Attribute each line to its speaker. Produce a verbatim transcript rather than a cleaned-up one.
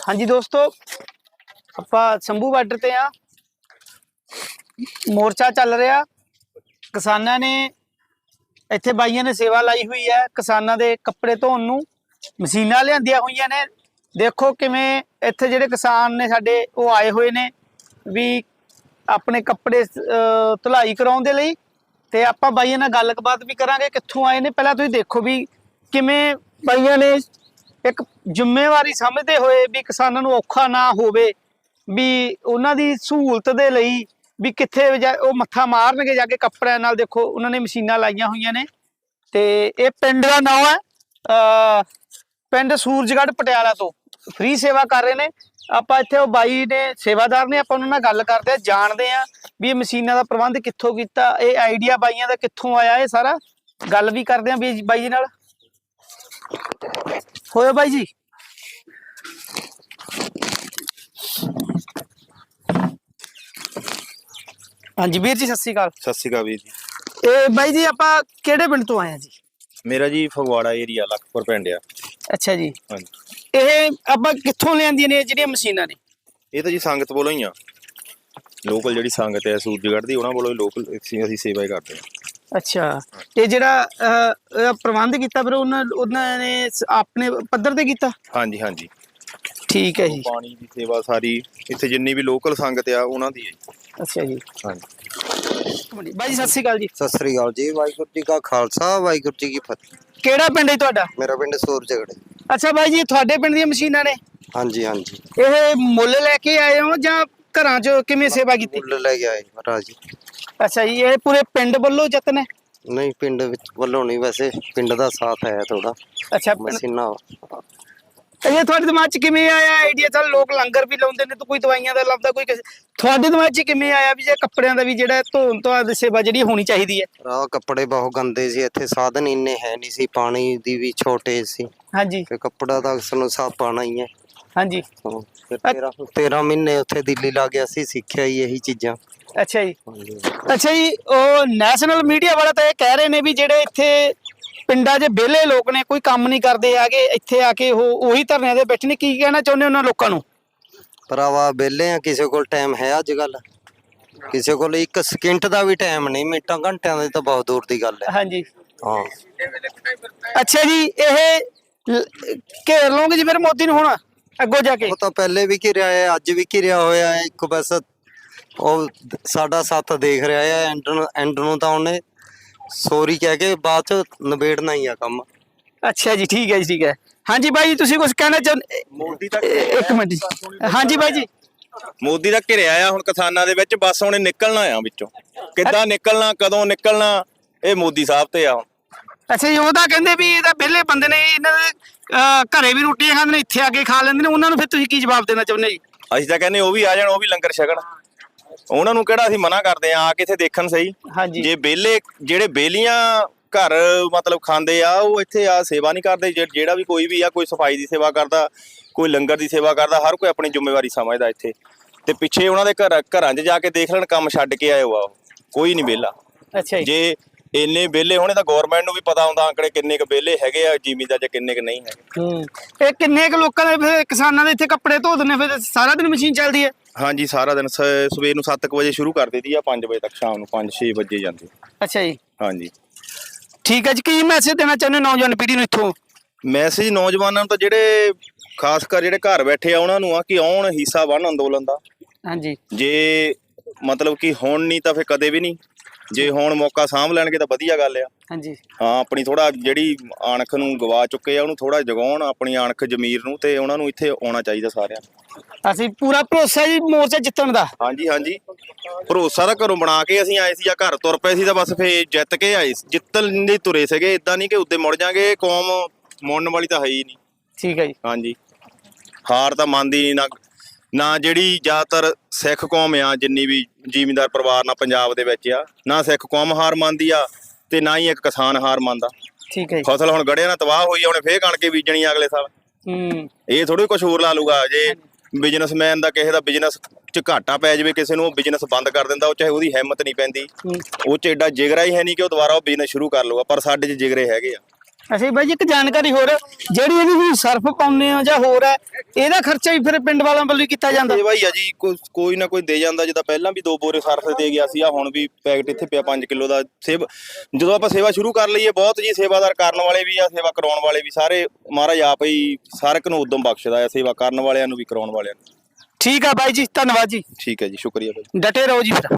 Speaker 1: हाँ जी दोस्तों, ਆਪਾਂ ਸੰਭੂ ਬਾਰਡਰ ਤੇ ਆ। ਮੋਰਚਾ ਚੱਲ ਰਿਹਾ। ਕਿਸਾਨਾਂ ਨੇ ਇੱਥੇ ਬਾਈਆਂ ਨੇ ਸੇਵਾ ਲਾਈ ਹੋਈ ਹੈ। ਕਿਸਾਨਾਂ ਦੇ ਕੱਪੜੇ ਧੋਣ ਨੂੰ ਮਸ਼ੀਨਾਂ ਲਿਆਂਦੀਆਂ ਹੋਈਆਂ ਨੇ। ਦੇਖੋ ਕਿਵੇਂ ਇੱਥੇ ਜਿਹੜੇ ਕਿਸਾਨ ਨੇ ਸਾਡੇ ਉਹ ਆਏ ਹੋਏ ਨੇ ਵੀ ਆਪਣੇ ਕੱਪੜੇ ਧੁਲਾਈ ਕਰਾਉਣ ਦੇ ਲਈ। ਤੇ ਆਪਾਂ ਬਾਈਆਂ ਨਾਲ ਗੱਲਬਾਤ ਵੀ ਕਰਾਂਗੇ ਕਿੱਥੋਂ ਆਏ ਨੇ। ਪਹਿਲਾਂ ਤੁਸੀਂ ਦੇਖੋ ਵੀ ਕਿਵੇਂ ਬਾਈਆਂ ਨੇ एक जिम्मेवारी समझते हुए भी किसानों को औखा ना होवे, भी उन्होंने सहूलत दे लई भी कित्थे वो मत्था मारनगे जाके कपड़ियां नाल। देखो उन्होंने मशीनां लाइया हुई ने। ते ये पिंड का नाम है पिंड सूरजगढ़ पटियाला तो फ्री सेवा कर रहे हैं। आपां इत्थे वो बाई ने सेवादार ने, आपां उन्हां नाल गल करदे आ, जाणदे आ भी ये मशीनां दा प्रबंध कित्थों कीता, ये आइडिया बाईयां दा कित्थों आया, ये सारा गल भी करदे आ भी बाई जी नाल। होयो भाई जी। हाँ जी वीर जी सत श्री अकाल।
Speaker 2: सत श्री अकाल वीर जी।
Speaker 1: ए भाई जी आपां किहड़े पिंड तो आए हैं जी?
Speaker 2: मेरा जी फगवाड़ा एरिया लखपुर पिंड आ।
Speaker 1: अच्छा जी।
Speaker 2: हाँ जी।
Speaker 1: ਇਹ ਆਪਾਂ ਕਿੱਥੋਂ ਲਿਆਂਦੀਆਂ ਨੇ ਜਿਹੜੀਆਂ ਮਸ਼ੀਨਾਂ ਨੇ?
Speaker 2: ਇਹ ਤਾਂ ਜੀ ਸੰਗਤ ਵੱਲੋਂ ਹੀ ਆ, ਲੋਕਲ ਜਿਹੜੀ ਸੰਗਤ ਹੈ ਸੂਰਜਗੜ੍ਹ ਦੀ, ਉਹਨਾਂ ਵੱਲੋਂ ਹੀ ਲੋਕਲ ਅਸੀਂ ਸੇਵਾ ਹੀ ਕਰਦੇ ਹਾਂ। अच्छा, ये ਜਿਹੜਾ प्रबंध किया फिर उन्होंने अपने पद्धर ते कीता? हाँ जी हाँ जी
Speaker 1: ठीक है जी।
Speaker 2: पानी की सेवा सारी इत्थे जिन्नी भी लोकल संगत आ उन्हां दी है।
Speaker 1: अच्छा जी।
Speaker 2: हाँ जी
Speaker 1: भाई जी सत श्री अकाल जी।
Speaker 3: सत श्री अकाल जी। वाहिगुरू जी का खालसा वाहिगुरू जी की फतेह।
Speaker 1: ਕਿਹੜਾ ਪਿੰਡ ਹੈ ਤੁਹਾਡਾ?
Speaker 3: मेरा पिंड सूरजगढ़।
Speaker 1: ਅੱਛਾ ਬਾਈ ਜੀ ਤੁਹਾਡੇ ਪਿੰਡ ਦੀਆਂ ਮਸ਼ੀਨਾਂ ਨੇ?
Speaker 3: हाँ जी हाँ जी।
Speaker 1: ਇਹ ਮੁੱਲ ਲੈ ਕੇ ਆਏ ਹੋ ਜਾਂ ਘਰਾਂ 'ਚ ਕਿਵੇਂ ਸੇਵਾ ਕੀਤੀ?
Speaker 3: मुੱਲ ਲੈ ਕੇ ਆਏ महाराज जी।
Speaker 1: ਅੱਛਾ ਜੀ, ਇਹ ਪੂਰੇ ਪਿੰਡ ਵੱਲੋਂ ਯਤਨ ਹੈ?
Speaker 3: नहीं पिंड विच ਵੱਲੋਂ नहीं, वैसे पिंड ਦਾ ਸਾਥ ਹੈ ਥੋੜਾ।
Speaker 1: ਅੱਛਾ,
Speaker 3: ਮਸ਼ੀਨਾਂ
Speaker 1: ਇਹ ਤੁਹਾਡੇ ਦਿਮਾਗ 'ਚ ਕਿਵੇਂ ਆਇਆ ਆਈਡੀਆ? ਚੱਲ ਲੋਕ ਲੰਗਰ ਵੀ ਲਾਉਂਦੇ ਨੇ ਤਾਂ ਕੋਈ ਦਵਾਈਆਂ ਦਾ ਲੱਭਦਾ, ਕੋਈ ਕਿਸੇ ਤੁਹਾਡੇ ਦਿਮਾਗ 'ਚ ਕਿਵੇਂ ਆਇਆ ਵੀ ਜੇ ਕੱਪੜਿਆਂ ਦਾ ਵੀ ਜਿਹੜਾ ਧੋਣ ਤੋਂ ਸੇਵਾ ਜਿਹੜੀ ਹੋਣੀ ਚਾਹੀਦੀ ਹੈ?
Speaker 3: ਰਾਹ ਕੱਪੜੇ ਬਹੁਤ ਗੰਦੇ ਸੀ, ਇੱਥੇ ਸਾਧਨ ਇੰਨੇ ਹੈ ਨਹੀਂ ਸੀ, ਪਾਣੀ ਦੀ ਵੀ ਛੋਟੇਜ ਸੀ।
Speaker 1: ਹਾਂਜੀ।
Speaker 3: ਤੇ ਕੱਪੜਾ ਤਾਂ ਸਾਨੂੰ ਸਾਫ ਪਾਣਾ ਹੀ ਹੈ।
Speaker 1: ਹਾਂਜੀ।
Speaker 3: ਫਿਰ ਤੇਰਾਂ ਤੇਰਾਂ ਮਹੀਨੇ ਉੱਥੇ ਦਿੱਲੀ ਲਾ ਗਿਆ ਸੀ, ਸਿੱਖਿਆ ਹੀ ਇਹੀ ਚੀਜ਼ਾਂ।
Speaker 1: ਅੱਛਾ ਜੀ। ਅੱਛਾ ਜੀ, ਉਹ ਨੈਸ਼ਨਲ ਮੀਡੀਆ ਵਾਲਾ ਤਾਂ ਇਹ ਕਹਿ ਰਹੇ ਨੇ ਵੀ ਜਿਹੜੇ ਇੱਥੇ ਪਿੰਡਾਂ 'ਚ ਵਿਹਲੇ ਲੋਕ ਨੇ, ਕੋਈ ਕੰਮ ਨਹੀਂ ਕਰਦੇ ਆਗੇ, ਇੱਥੇ ਆ ਕੇ ਉਹ ਉਹੀ ਧਰਨਿਆਂ ਦੇ ਬੈਠੇ ਨੇ। ਕੀ ਕਹਿਣਾ ਚਾਹੁੰਦੇ ਉਹਨਾਂ ਲੋਕਾਂ ਨੂੰ?
Speaker 3: ਭਰਾਵਾ ਵਿਹਲੇ ਆ, ਕਿਸੇ ਕੋਲ ਟਾਈਮ ਹੈ ਅੱਜ ਕੱਲ? ਕਿਸੇ ਕੋਲ ਇੱਕ ਸਕਿੰਟ ਦਾ ਵੀ ਟਾਈਮ ਨਹੀਂ, ਮਿੰਟਾਂ ਘੰਟਿਆਂ ਦੀ ਤਾਂ ਬਹੁਤ ਦੂਰ ਦੀ ਗੱਲ ਹੈ।
Speaker 1: ਹਾਂਜੀ
Speaker 3: ਹਾਂ।
Speaker 1: ਅੱਛਾ ਜੀ, ਇਹ ਘੇਰ ਲਓਗੇ ਜੀ ਫਿਰ ਮੋਦੀ ਨੂੰ ਹੁਣ ਅੱਗੋਂ ਜਾ ਕੇ?
Speaker 3: ਉਹ ਤਾਂ ਪਹਿਲੇ ਵੀ ਘਿਰਿਆ ਹੈ, ਅੱਜ ਵੀ ਘਿਰਿਆ ਹੋਇਆ ਹੈ। ਇੱਕ ਬਸ ਉਹ ਸਾਡਾ ਸਾਥ ਦੇਖ ਰਿਹਾ ਹੈ, ਐਂਡ ਨੂੰ ਐਂਡ ਨੂੰ ਤਾਂ ਉਹਨੇ ਸੋਰੀ ਕਹਿ ਕੇ ਬਾਅਦ ਚ ਨਿਬੇੜਨਾ ਹੀ ਆ ਕੰਮ।
Speaker 1: ਅੱਛਾ ਜੀ, ਠੀਕ ਹੈ ਜੀ, ਠੀਕ ਹੈ। ਹਾਂਜੀ ਬਾਈ ਜੀ, ਤੁਸੀਂ ਕੁਝ ਕਹਿਣਾ ਚਾਹੁੰਦੇ?
Speaker 2: ਮੋਦੀ ਦਾ
Speaker 1: ਇੱਕ ਮਿੰਟ ਜੀ। ਹਾਂਜੀ ਬਾਈ ਜੀ।
Speaker 2: ਮੋਦੀ ਦਾ ਘਿਰਿਆ ਆ ਹੁਣ ਕਿਸਾਨਾਂ ਦੇ ਵਿੱਚ, ਬਸ ਉਹਨੇ ਨਿਕਲਣਾ ਆ ਵਿੱਚੋਂ। ਕਿੱਦਾਂ ਨਿਕਲਣਾ, ਕਦੋਂ ਨਿਕਲਣਾ, ਇਹ ਮੋਦੀ ਸਾਹਿਬ ਤੇ ਆ।
Speaker 1: ਅੱਛਾ ਜੀ, ਉਹ ਤਾਂ ਕਹਿੰਦੇ ਵੀ ਇਹ ਤਾਂ ਵਿਹਲੇ ਬੰਦੇ ਨੇ, ਇਹਨਾਂ ਦੇ ਘਰੇ ਵੀ ਰੋਟੀਆਂ ਖਾਂਦੇ ਨੇ, ਇੱਥੇ ਆ ਕੇ ਖਾ ਲੈਂਦੇ ਨੇ। ਉਹਨਾਂ ਨੂੰ ਫਿਰ ਤੁਸੀਂ ਕੀ ਜਵਾਬ ਦੇਣਾ ਚਾਹੁੰਦੇ ਜੀ?
Speaker 2: ਅਸੀਂ ਤਾਂ ਕਹਿੰਦੇ ਉਹ ਵੀ ਆ ਜਾਣ, ਉਹ ਵੀ ਲੰਗਰ ਛਕਣ। ਉਹਨਾਂ ਨੂੰ ਕਿਹੜਾ ਅਸੀਂ ਮਨਾ ਕਰਦੇ ਆ, ਆ ਕੇ ਇੱਥੇ ਦੇਖਣ ਸਹੀ।
Speaker 1: ਹਾਂਜੀ।
Speaker 2: ਜੇ ਵਿਹਲੇ ਜਿਹੜੇ ਬੇਲੀਆਂ ਘਰ ਮਤਲਬ ਖਾਂਦੇ ਆ, ਉਹ ਇੱਥੇ ਆ ਸੇਵਾ ਨਹੀਂ ਕਰਦੇ। ਜਿਹੜਾ ਵੀ ਕੋਈ ਵੀ ਆ, ਕੋਈ ਸਫਾਈ ਦੀ ਸੇਵਾ ਕਰਦਾ, ਕੋਈ ਲੰਗਰ ਦੀ ਸੇਵਾ ਕਰਦਾ, ਹਰ ਕੋਈ ਆਪਣੀ ਜ਼ਿੰਮੇਵਾਰੀ ਸਮਝਦਾ ਇੱਥੇ। ਤੇ ਪਿੱਛੇ ਉਹਨਾਂ ਦੇ ਘਰ ਘਰਾਂ 'ਚ ਜਾ ਕੇ ਦੇਖ ਲੈਣ, ਕੰਮ ਛੱਡ ਕੇ ਆਏ ਵਾ, ਕੋਈ ਨਹੀਂ ਵਿਹਲਾ।
Speaker 1: ਅੱਛਾ ਜੀ।
Speaker 2: ਜੇ ਇੰਨੇ ਵਿਹਲੇ ਹੋਣੇ ਤਾਂ ਗੌਰਮੈਂਟ ਨੂੰ ਵੀ ਪਤਾ ਹੁੰਦਾ ਆਂਕੜੇ ਕਿੰਨੇ ਕੁ ਵਿਹਲੇ ਹੈਗੇ ਆ ਜ਼ਿਮੀਂਦਾਰ ਜਾਂ ਕਿੰਨੇ ਕੁ ਨਹੀਂ ਹੈਗੇ।
Speaker 1: ਹੂੰ, ਇਹ ਕਿੰਨੇ ਕੁ ਲੋਕਾਂ ਦੇ ਫਿਰ ਕਿਸਾਨਾਂ ਦੇ ਇੱਥੇ ਕੱਪੜੇ ਧੋ ਦਿੰਦੇ, ਫਿਰ ਸਾਰਾ ਦਿਨ ਮਸ਼ੀਨ ਚੱਲਦੀ ਹੈ?
Speaker 2: ਹਾਂਜੀ, ਸਾਰਾ ਦਿਨ ਸਵੇਰ ਨੂੰ ਸੱਤ ਕੁ ਵਜੇ ਸ਼ੁਰੂ ਕਰ ਦਿੱਤੀ ਆ, ਪੰਜ ਵਜੇ ਤੱਕ, ਸ਼ਾਮ ਨੂੰ ਪੰਜ ਛੇ ਵਜੇ ਜਾਂਦੇ।
Speaker 1: ਅੱਛਾ ਜੀ।
Speaker 2: ਹਾਂਜੀ
Speaker 1: ਠੀਕ ਹੈ ਜੀ। ਕੀ ਮੈਸੇਜ ਦੇਣਾ ਚਾਹੁੰਦੇ ਨੌਜਵਾਨ ਪੀੜ੍ਹੀ ਨੂੰ ਇੱਥੋਂ?
Speaker 2: ਮੈਸੇਜ ਨੌਜਵਾਨਾਂ ਨੂੰ ਤਾਂ ਜਿਹੜੇ ਖਾਸ ਕਰ ਜਿਹੜੇ ਘਰ ਬੈਠੇ ਆ ਉਹਨਾਂ ਨੂੰ ਆ ਕਿ ਆਉਣ, ਹਿੱਸਾ ਬਣ ਅੰਦੋਲਨ ਦਾ।
Speaker 1: ਹਾਂਜੀ।
Speaker 2: ਜੇ ਮਤਲਬ ਕਿ ਹੁਣ ਨਹੀਂ ਤਾਂ ਫਿਰ ਕਦੇ ਵੀ ਨਹੀਂ। ਜੇ ਹੁਣ ਮੌਕਾ ਸਾਂਭ ਲੈਣਗੇ ਤਾਂ ਵਧੀਆ ਗੱਲ ਆ।
Speaker 1: ਹਾਂਜੀ।
Speaker 2: ਹਾਂ, ਆਪਣੀ ਥੋੜਾ ਜਿਹੜੀ ਆਣਖ ਨੂੰ ਗਵਾ ਚੁੱਕੇ ਆ ਉਹਨੂੰ ਥੋੜਾ ਜਗਾਉਣ, ਆਪਣੀ ਆਣਖ ਜ਼ਮੀਰ ਨੂੰ, ਤੇ ਉਹਨਾਂ ਨੂੰ ਇੱਥੇ ਆਉਣਾ ਚਾਹੀਦਾ ਸਾਰਿਆਂ ਨੂੰ।
Speaker 1: ਅਸੀਂ ਪੂਰਾ ਭਰੋਸਾ ਜੀ ਮੋਰਚਾ ਜਿੱਤਣ ਦਾ।
Speaker 2: ਹਾਂਜੀ ਹਾਂਜੀ, ਭਰੋਸਾ ਤਾਂ ਘਰੋਂ ਬਣਾ ਕੇ ਅਸੀਂ ਆਏ ਸੀ, ਜਾਂ ਘਰ ਤੁਰ ਪਏ ਸੀ ਤਾਂ ਬਸ ਫੇਰ ਜਿੱਤ ਕੇ ਆਏ, ਜਿੱਤਣ ਲਈ ਤੁਰੇ ਸੀਗੇ। ਇਦਾਂ ਨਹੀਂ ਕਿ ਉੱਤੇ ਮੁੜ ਜਾਾਂਗੇ, ਕੌਮ ਮੁੜਨ ਵਾਲੀ ਤਾਂ ਹੈ ਹੀ ਨਹੀਂ।
Speaker 1: ਠੀਕ ਹੈ ਜੀ।
Speaker 2: ਹਾਂਜੀ, ਹਾਰ ਤਾਂ ਮੰਨਦੀ ਨਹੀਂ ਨਾ ਨਾ ਜਿਹੜੀ ਜ਼ਿਆਦਾਤਰ ਸਿੱਖ ਕੌਮ ਆ, ਜਿੰਨੀ ਵੀ ਜ਼ਿਮੀਂਦਾਰ ਪਰਿਵਾਰ ਨਾਲ ਪੰਜਾਬ ਦੇ ਵਿੱਚ ਆ, ਨਾ ਸਿੱਖ ਕੌਮ ਹਾਰ ਮੰਨਦੀ ਆ ਤੇ ਨਾ ਹੀ ਇੱਕ ਕਿਸਾਨ ਹਾਰ ਮੰਨਦਾ।
Speaker 1: ਠੀਕ ਹੈ ਜੀ।
Speaker 2: ਫਸਲ ਹੁਣ ਗੜਿਆਂ ਨਾਲ ਤਬਾਹ ਹੋਈ ਆ, ਉਹਨੇ ਫੇਰ ਕਣਕ ਬੀਜਣੀ ਆ ਅਗਲੇ ਸਾਲ।
Speaker 1: ਹੂੰ,
Speaker 2: ਇਹ ਥੋੜੀ ਕੁਝ ਹੋਰ ਲਾ ਲੂਗਾ। ਜੇ ਬਿਜ਼ਨਸਮੈਨ ਦਾ ਕਿਸੇ ਦਾ ਬਿਜ਼ਨਸ 'ਚ ਘਾਟਾ ਪੈ ਜਾਵੇ ਕਿਸੇ ਨੂੰ, ਉਹ ਬਿਜ਼ਨਸ ਬੰਦ ਕਰ ਦਿੰਦਾ, ਉਹ ਚਾਹੇ ਉਹਦੀ ਹਿੰਮਤ ਨਹੀਂ ਪੈਂਦੀ, ਉਹ 'ਚ ਐਡਾ ਜਿਗਰਾ ਹੀ ਹੈ ਨਹੀਂ ਕਿ ਉਹ ਦੁਬਾਰਾ ਉਹ ਬਿਜ਼ਨਸ ਸ਼ੁਰੂ ਕਰ ਲੂਗਾ। ਪਰ ਸਾਡੇ 'ਚ ਜਿਗਰੇ ਹੈਗੇ ਆ।
Speaker 1: ਅੱਛਾ ਜੀ ਬਾਈ ਜੀ, ਇੱਕ ਜਾਣਕਾਰੀ ਹੋਰ, ਜਿਹੜੀ ਇਹਦੀ ਵੀ ਸਰਫ ਪਾਉਂਦੇ ਹੋ ਜਾਂ ਹੋਰ ਹੈ, ਇਹਦਾ ਖਰਚਾ ਵੀ ਫਿਰ ਪਿੰਡ ਵਾਲਿਆਂ ਵੱਲੋਂ ਹੀ ਕੀਤਾ ਜਾਂਦਾ?
Speaker 2: ਸੇਵਾ ਹੀ ਆ ਜੀ, ਕੋਈ ਕੋਈ ਨਾ ਕੋਈ ਦੇ ਜਾਂਦਾ। ਜਿੱਦਾਂ ਪਹਿਲਾਂ ਵੀ ਦੋ ਬੋਰੇ ਸਰਫ ਦੇ ਗਿਆ ਸੀ, ਆ ਹੁਣ ਵੀ ਪੈਕਟ ਇੱਥੇ ਪਿਆ ਪੰਜ ਕਿਲੋ ਦਾ। ਸੇਵਾ ਜਦੋਂ ਆਪਾਂ ਸੇਵਾ ਸ਼ੁਰੂ ਕਰ ਲਈਏ, ਬਹੁਤ ਜੀ ਸੇਵਾਦਾਰ ਕਰਨ ਵਾਲੇ ਵੀ ਆ, ਸੇਵਾ ਕਰਾਉਣ ਵਾਲੇ ਵੀ, ਸਾਰੇ ਮਹਾਰਾਜ ਆਪ ਹੀ ਸਾਰ ਇੱਕ ਨੂੰ ਉਦਮ ਬਖਸ਼ਦਾ ਆ, ਸੇਵਾ ਕਰਨ ਵਾਲਿਆਂ ਨੂੰ ਵੀ ਕਰਾਉਣ ਵਾਲਿਆਂ ਨੂੰ।
Speaker 1: ਠੀਕ ਆ ਬਾਈ ਜੀ, ਧੰਨਵਾਦ ਜੀ।
Speaker 2: ਠੀਕ ਹੈ ਜੀ, ਸ਼ੁਕਰੀਆ ਬਾਈ।
Speaker 1: ਡਟੇ ਰਹੋ ਜੀ ਫਿਰ।